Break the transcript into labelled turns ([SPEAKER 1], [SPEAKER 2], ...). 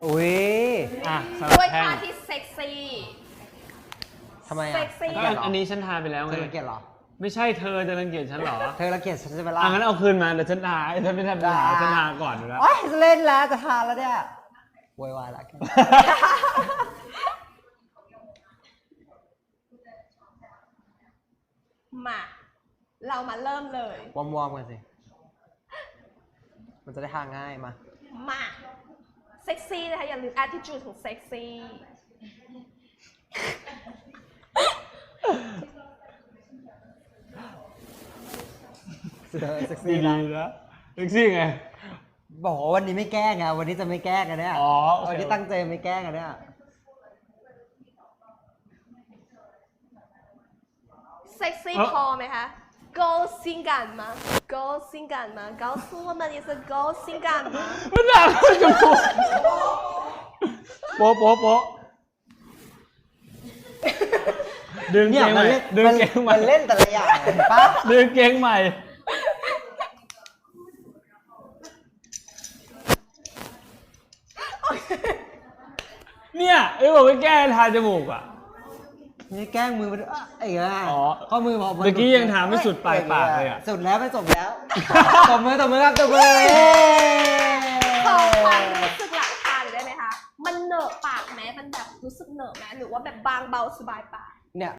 [SPEAKER 1] อุ้ย
[SPEAKER 2] สำหรับ
[SPEAKER 3] ด้วย
[SPEAKER 2] แท่
[SPEAKER 3] ท่าง ที่เซ็กซี่
[SPEAKER 1] ทำไม
[SPEAKER 3] เซ็
[SPEAKER 1] อ่ะ
[SPEAKER 3] กซี่
[SPEAKER 2] ก็อันนี้ฉันทาไปแล้ว
[SPEAKER 1] เธ
[SPEAKER 2] ไง
[SPEAKER 1] อรังเกียจเหรอ
[SPEAKER 2] ไม่ใช่เธอจะรังเกียจฉันเหรอ
[SPEAKER 1] เธอรังเกียจฉันจะไปล่า
[SPEAKER 2] งั้นเอาคืนมาเดี๋ยวฉันทาฉันไม่ทำทาฉันทาก่อนอยู่แล้ว
[SPEAKER 1] โอ๊ยจะเล่นแล้วจะทานแล้วเนี่ยโวยวายละแก
[SPEAKER 3] มาเรามาเริ่มเลย
[SPEAKER 1] วอร์มๆกันสิ มันจะได้ทานง่ายมา
[SPEAKER 3] มาเซ็กซี่นะคะอย่าลืม attitude ของเซ็กซี่
[SPEAKER 1] เซ็ก
[SPEAKER 2] ดี
[SPEAKER 1] ซี่นะ
[SPEAKER 2] นะเซ็กซี่ไง
[SPEAKER 1] บอกว่าวันนี้ไม่แกล้งไงวันนี้จะไม่แกล้งกันเนี่ย
[SPEAKER 2] อ๋อโอเค
[SPEAKER 1] วันนี้ตั้งใจไม่แกล้งกันเนี่ย
[SPEAKER 3] เซ็กซี่พอไหมคะ go 性感吗 go 性感吗告诉我们你是 go 性感吗
[SPEAKER 2] มันหนาขึ้นจมูกโป๊ะโป๊ะโป๊ะดึง
[SPEAKER 1] เนี่
[SPEAKER 2] เก
[SPEAKER 1] ย
[SPEAKER 2] งใหม่ดึงเกงใหม่
[SPEAKER 1] มันเล่นแต่ละอย่างเห็นปะ
[SPEAKER 2] ดึงเกงใหม่เนี่ยไอ้บอกไม่แก้ทาจมูกอ่ะ
[SPEAKER 1] นี่แกล้งมือมันไอ้เงี้ย
[SPEAKER 2] อ๋อ
[SPEAKER 1] ข้อมือพอ
[SPEAKER 2] เมื่อกี้ยังถามไม่สุดปลายปากเลยอะ
[SPEAKER 1] สุดแล้วไม่จบแล้ว ตบมือครับตบมือ
[SPEAKER 3] ขอความรู้สึกหลังทานหน่อยได้ไหมคะ มันเหนอะปากไหมมันแบบรู้สึกเหนอะไหมหรือว่าแบบบางเบาสบายปาก